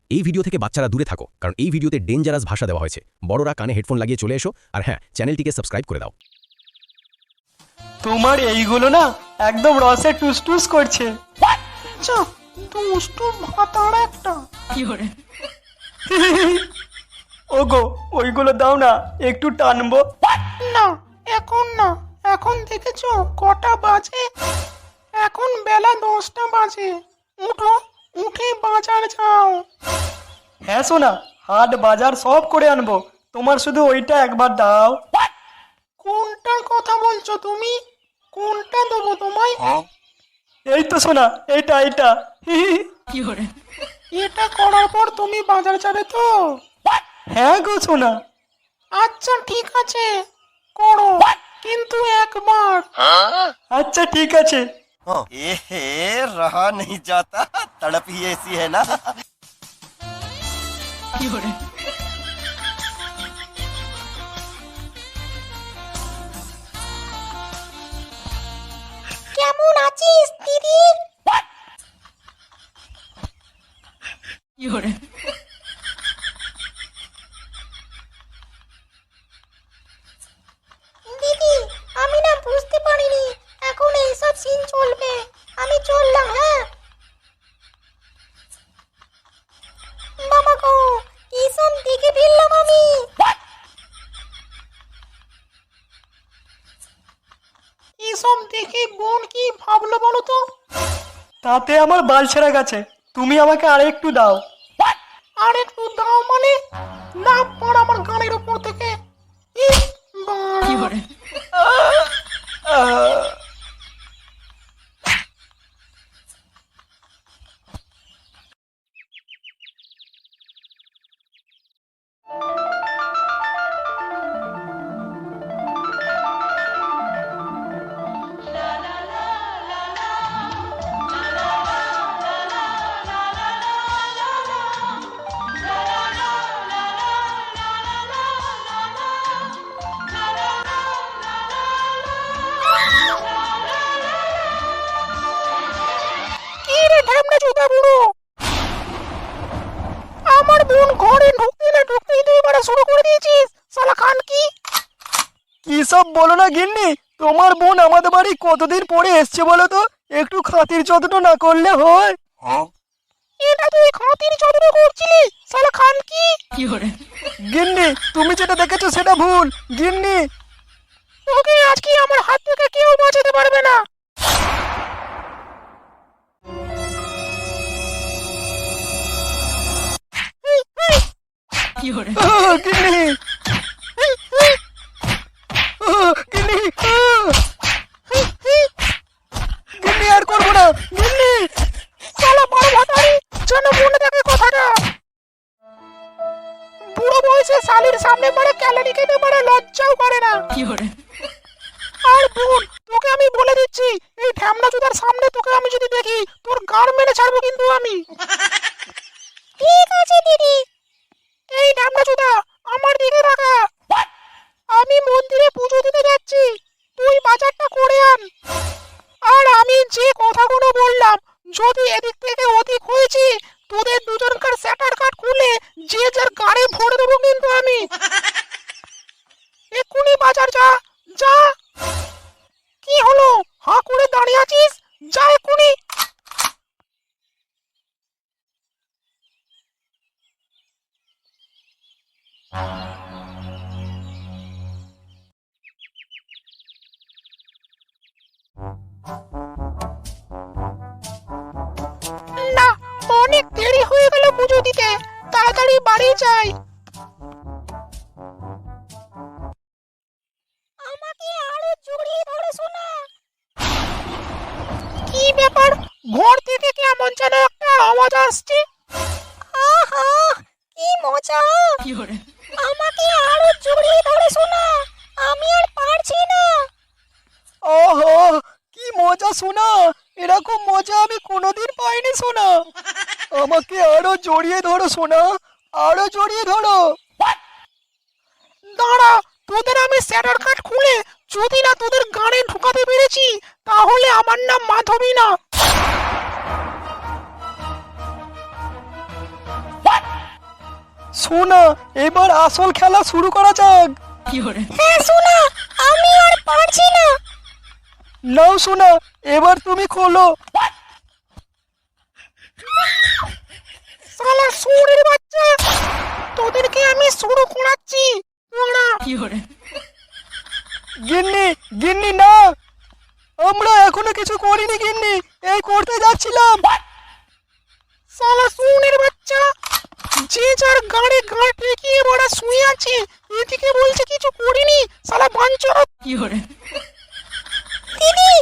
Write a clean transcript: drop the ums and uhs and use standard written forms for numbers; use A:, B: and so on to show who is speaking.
A: এই ভিডিও থেকে বাচ্চারা দূরে থাকো, কারণ এই ভিডিওতে ডেঞ্জারাস ভাষা দেওয়া হয়েছে। বড়রা কানে হেডফোন লাগিয়ে চলে এসো, আর হ্যাঁ, চ্যানেলটিকে সাবস্ক্রাইব করে দাও।
B: তোমার এইগুলো না একদম রসে টুসটুস করছে।
C: দুষ্টু ভাতার একটা।
B: ওগো ওইগুলো দাও না, একটু টানবো।
C: না এখন না, এখন দেখেছো কটা বাজে? এখন বেলা 10টা বাজে। উঠো, উঠে বাজার যাও।
B: হ্যাঁ সোনা, হাট বাজার সব করে আনবো, তোমার শুধু ওইটা একবার দাও।
C: কোনটার কথা বলছো তুমি? কোনটা দেবো তোমায়?
B: এই তো সোনা, এইটা এইটা।
C: এটা করার পর তুমি বাজার যাবে তো?
B: হ্যাঁ গো সোনা।
C: আচ্ছা ঠিক আছে, করো, কিন্তু একবার।
B: আচ্ছা ঠিক আছে।
D: एहे रहा नहीं जाता, तड़प ही ऐसी है ना।
C: কেমন আছিস দিদি? দিদি আমি না বুঝতে পারিনি এখন এইসব সিন চলবে। আমি চললাম, হ্যাঁ। বাবা গো, এইসব দেখে ফেললাম আমি। এইসব দেখে বোন কি ভাবলো বলো তো?
B: তাতে আমার বাল ছেড়ে গেছে, তুমি আমাকে আর একটু দাও।
C: আর একটু দাও মানে? না পড় আমার গানের উপর থেকে। ইস, বাড়া। কি রে ঢ্যামনা চোদা বুড়ো, আমার বোন ঘরে ঢুকতে না ঢুকতেই তুই এবারে শুরু করে দিয়েছিস, শালা খান কি?
B: কি সব বলো না গিন্নি, তোমার বোন আমাদের বাড়ি কতদিন পরে এসছে বলো তো, একটু খাতির যত্ন না করলে হয়?
C: এটা তুই খাতির যত্ন করছিলি, শালা খান কি?
B: গিন্নি তুমি যেটা দেখেছো সেটা ভুল গিন্নি।
C: তোকে আজকে আমার হাত থেকে কেউ বাঁচাতে পারবে না।
B: গিন্নি গিন্নি গিন্নি আর করবো না গিন্নি।
C: শালা বড় ভাতারি, যেন মনে থাকে কথাটা। বুড়ো বয়সে শালির সামনে মারে ক্যালারি খেতে পারে, লজ্জাও করে না। আর বোন, তোকে আমি বলে দিচ্ছি, এই ঢ্যামনা চোদার সামনে তোকে আমি যদি দেখি, তোর গাড় মেরে ছাড়বো কিন্তু আমি। ঠিক আছে দিদি। এই ঢ্যামনা চোদা, আমার দিকে তাকা। আমি মন্দিরে পুজো দিতে যাচ্ছি, তুই বাজারটা করে আন। আর আমি যে কথাগুলো বললাম, যদি এদিক থেকে অধিক হয়েছে, তোদের দুজনকার স্যাটার কাট খুলে যে যার গাড়ি ভরে দেবো কিন্তু আমি। এক্ষুনি বাজার যা, যা। কি হলো, হাঁ করে দাঁড়িয়ে আছিস? যা এক্ষুনি। না, অনেক দেরি হয়ে গেল পুজো দিতে, তাড়াতাড়ি বাড়ি যাই। আমাকে আরো জড়িয়ে ধরে শোনা। কি ব্যাপার, ঘর থেকে কেমন যেন একটা আওয়াজ আসছে। আহা কি মজা, আমাকে আরো জড়িয়ে ধরে শোনা, আমি আর পারছি না।
B: ওহো কি মজা শোনা, এরকম মজা আমি কোনোদিন পাইনি শোনা। আমাকে আরো জড়িয়ে ধরো শোনা, আরো জড়িয়ে ধরো।
C: দাঁড়া, তোদের আমি স্যাটার কাট খুলে যদি না তোদের গানে ঢুকাতে পেরেছি, তাহলে আমার নাম মাধবী না।
B: সোনা এবার আসল খেলা শুরু করা যাক।
C: হ্যাঁ সোনা, আমি আর পারছি না।
B: নাও সোনা, এবার তুমি খোলো।
C: শালা শুয়োরের বাচ্চা, তোদেরকে আমি শুরু করাচ্ছি। তোরা
B: গিন্নি গিন্নি না, আমরা এখনো কিছু করিনি গিন্নি, এই করতে যাচ্ছিলাম।
C: শালা শুয়োরের বাচ্চা, যে যার গাড়ি গাড় ঠেকিয়ে বড়া শুয়ে আছে, এদিকে বলছে কিছু করিনি। শালা বাঞ্চর। দিদি